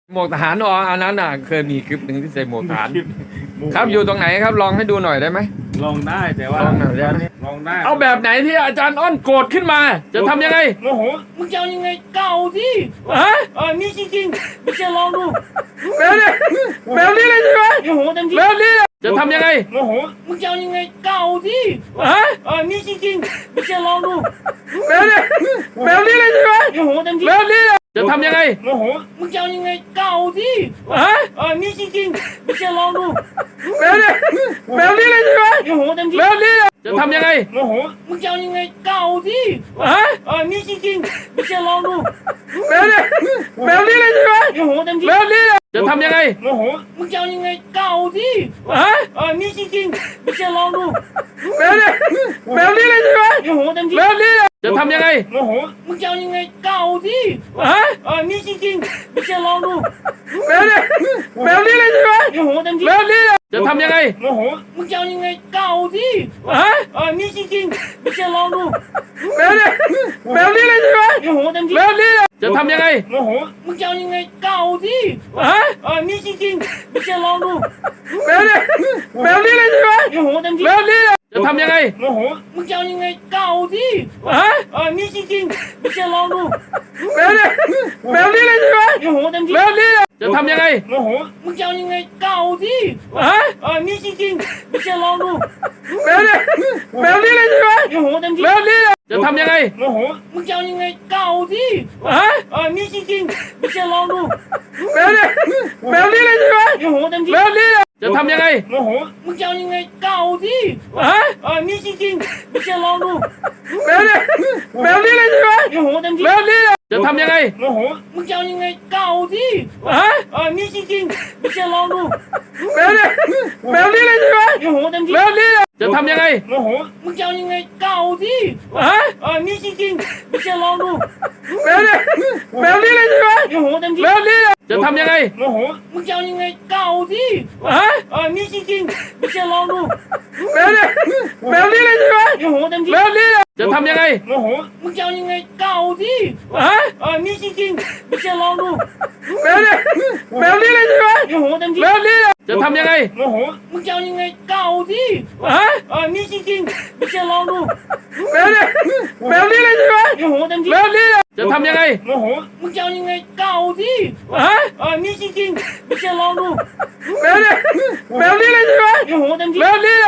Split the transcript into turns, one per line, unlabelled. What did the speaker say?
หมวกทหารอ๋ออันนั้นน่ะเคยมีคลิปหนึ่งที่ใส่หมวกทหารครับอยู่ตรงไหนครับลองให้ดูหน่อยได้ไหม
ลองได้แต่ว่า
ลองหน่อยได้ไหม
ลองได้
เอาแบบไหนที่อาจารย์อ้อนโกรธขึ้นมา จะทำยังไง
โมโหมึงจะเอายังไงเก่าดิ
ฮะ
นี่จริงๆไม่ใช่ลองดู
แบบนี้เลยใช่ไหม
โมโหเต็มที่
แบบนี้จะทำยังไง
โมโหมึงจะเอายังไงเก่าดิ
ฮะ
นี่จริงๆไม่ใช่ลองดู
แบบนี้เลยใช่ไหม
โมโหเต็มที่
แบบนี้จะทำยังไง
โมโหมึงจะเอายังไงเก่าดิ
ฮะ
นี่จริงๆไม่ใช่ลองดู
แบบนี้เลยใช่ไหม
โมโหเต็มที่
แบบนี้จะทำยังไง
โมโหมึงจะเอายังไงเก่าดิ
ฮะ
นี่จริงๆไม่ใช่ลองดู
แบบนี้เลยใช่ไหม
โมโหเต็มที่
แบบนี้จะทำยังไง
โมโหมึงจะเอายังไงเก่าดิ
ฮะ
นี่จริงๆไม่ใช่ลองดู
แบบนี้เลยใช่ไหม
โมโหเต็มที่
แบบนี้จะทำยังไง
โมโหมึงจะเอายังไงเก่าดิ
ฮะ
นี่จริงๆไม่ใช่ลองดู
แบบนี้เลยใช่ไหม
โมโหเต็มที่
แบบนี้จะทำยังไง
โมโหมึงจะเอายังไงเก่าดิ
ฮะ
นี่จริงๆไม่ใช่ลองดู
แบบนี้เลยใช่ไหม
โมโหเต็มที่
แบบนี้จะทำยังไง
โมโหมึงจะเอายังไงเก่าดิ
ฮะ
นี่จริงๆไม่ใช่ลองดู
แบบนี้เลยใช่ไหม
โมโหเต็มที่
แบบนี้จะทำยังไง
โมโหมึงจะเอายังไงเก่าดิ
ฮะ
นี่จริงๆไม่ใช่ลองดู
แบบนี้เลยใช่ไหม
โมโหเต็มที่
แบบนี้จะทำยังไง
โมโหมึงจะเอายังไงเก่าดิ
ฮะ
นี่จริงๆไม่ใช่ลองดู
แบบนี้เลยใช่ไหม
โมโหเต็มที่
แบบนี้จะทำยังไง
โมโหมึงจะเอายังไงเก่าดิ
ฮะ
นี่จริงๆไม่ใช่ลองดู
แบบนี้เลยใช่ไหม
โมโหเต็มที่
แบบนี้จะทำยังไง
โมโหมึงจะเอายังไงเก่าดิ
ฮะ
นี่จริงๆไม่ใช่ลองดู
แบบนี้เลยใช่ไหม
โมโหเต็มที่
แบบนี้จะทำยังไง
โมโหมึงจะเอายังไงเก่าดิ
ฮะ
นี่จริงๆไม่ใช่ลองดู
แบบนี้เลยใช่ไหม
โมโหเต็มที่
แบบนี้จะทำยังไง
โมโหมึงจะเอายังไงเก่าดิ
ฮะ
นี่จริงๆไม่ใช่ลองดู
แบบนี้เลยใช่ไหม
โมโหเต็มที่
แบบนี้จะทำยังไง
โมโหมึงจะเอายังไงเก่าดิ
ฮะ
นี่จริงๆไม่ใช่ลองดู
แบบนี้เลยใช่ไหม
โมโหเต็มที่
แบบนี้จะทำยังไง
โมโหมึงจะเอายังไงเก่าดิ
ฮะ
นี่จริงๆไม่ใช่ลองดู
แบบนี้เลยใช่ไหม
โมโหเต็มที่
แบบนี้จะทำยังไง
โมโหมึงจะเอายังไงเก่าดิ
ฮะ
นี่จริงๆไม่ใช่ลองดู
แบบนี้เลยใช่ไหม
โมโหเต็มที่
แบบนี้จะทำยังไง
โมโหมึงจะเอายังไงเก่าดิ
ฮะ
นี่จริงๆไม่ใช่ลองดู
แบบนี้เลยใช่ไหม
โมโหเต็มที่
แบบนี้